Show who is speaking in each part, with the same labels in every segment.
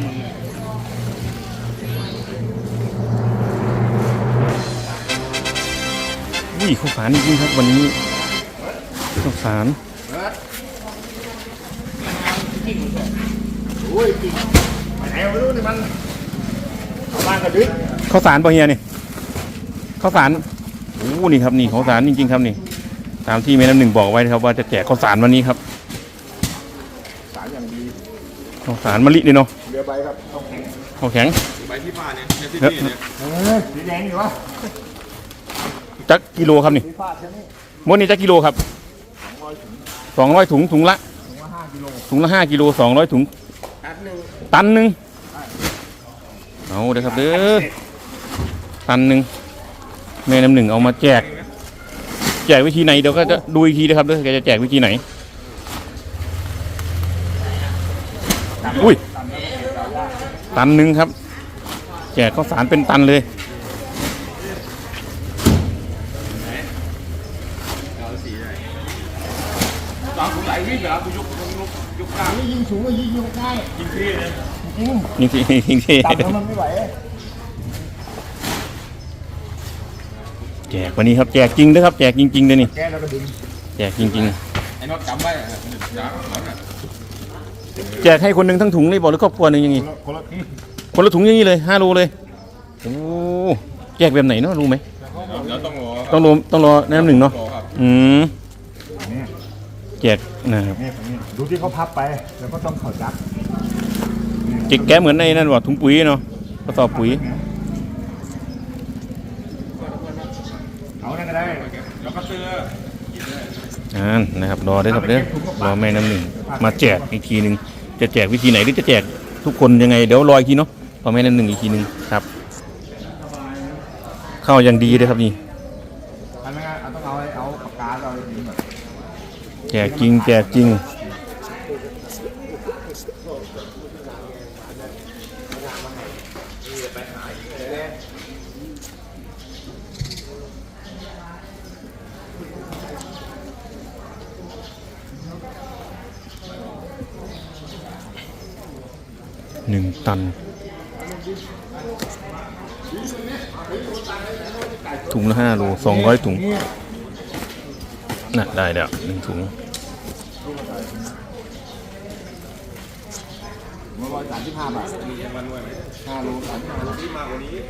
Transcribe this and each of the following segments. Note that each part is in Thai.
Speaker 1: อุ้ยข้าวสารจริงๆครับวันนี้ข้าวสารข้าวสารปะเฮียนี่ข้าวสารโอ้นี่ครับนี่ข้าวสารจริงๆครับนี่ตามที่แม่น้ำหนึ่งบอกไว้นะครับว่าจะแจกข้าวสารวันนี้ครับ
Speaker 2: สารอย่างดี
Speaker 1: ข้าวสารมะลินี่เนาะ
Speaker 2: เรือใบครับ
Speaker 1: ข้าวแข็ง
Speaker 3: ใบที่ผ้าเนี่ยที่เนี่ย
Speaker 2: สีแดงอยู่วะ
Speaker 1: จักกิโลครับนี่มดนี่จักกิโลครับ200 ถุงถุงละ5 กิโล200 ถุงตันหนึ่งเอาเด้อครับเด้อตันหนึ่งแม่น้ำหนึ่งเอามาแจกวิธีไหนเดี๋ยวก็จะดูอีกทีนะครับเด้อแกจะแจกวิธีไหนอุ้ยตันหนึ่งครับแจกข้าวสารเป็นตันเลย
Speaker 2: ยิงสูงก็ยิงยกได้ยิงที่เลย
Speaker 1: ยิงที่
Speaker 2: ต่ำมันไม่ไหว
Speaker 1: แจกวันนี้ครับแจกจริงด้วยครับแจกจริงๆเลยนี่
Speaker 2: แกแล้วก็ดึง
Speaker 1: แจกจริง
Speaker 3: ไอ้น็อตจำไว้
Speaker 1: ๆแจกให้คนหนึ่งทั้งถุงเลยบอกหรือครอบครัวหนึ่งยังไงคนละถุงอย่างนี้เลย5 โลเลยโอ้แจกแบบไหนเนาะรู้ไหมต้องรอน้ำหนึ่งเนาะแจกนะครับ
Speaker 2: ดูที่เขาพับไปแล้วก็ต้องเข่าจัก
Speaker 1: จิกแก้เหมือนในนั่นว่าถุงปุ๋ยเนาะกระสอบปุ๋ย
Speaker 2: เอานั่นก็ได้
Speaker 3: แล้วก็เสื้อ
Speaker 1: นะครับรอได้ครับเด้อรอแม่น้ำหนึ่งมาแจกอีกทีหนึ่งจะแจกวิธีไหนหรือจะแจกทุกคนยังไงเดี๋ยวรออีกทีเนาะรอแม่น้ำหนึ่งอีกทีหนึ่งครับเข้าอย่างดีเลยครับนี่
Speaker 2: อันนั้นต้องเอาปากกาเราจริงแบบ
Speaker 1: แจกจริงแจกจริง1 ตันถุงละ5 โล200 ถุงน่ะได้แล้ว1 ถุง
Speaker 2: 135 บาท5 โลที่มากกว่านี้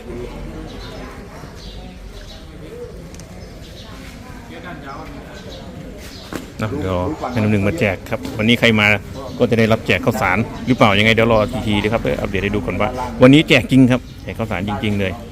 Speaker 1: เดี๋ยวให้น้ำหนึ่งมาแจกครับวันนี้ใครมาก็จะได้รับแจกข้าวสารหรือเปล่ายังไงเดี๋ยวรอทีๆนะครับเพื่ออัปเดตให้ดูก่อนว่าวันนี้แจกจริงครับแจกข้าวสารจริงๆเลย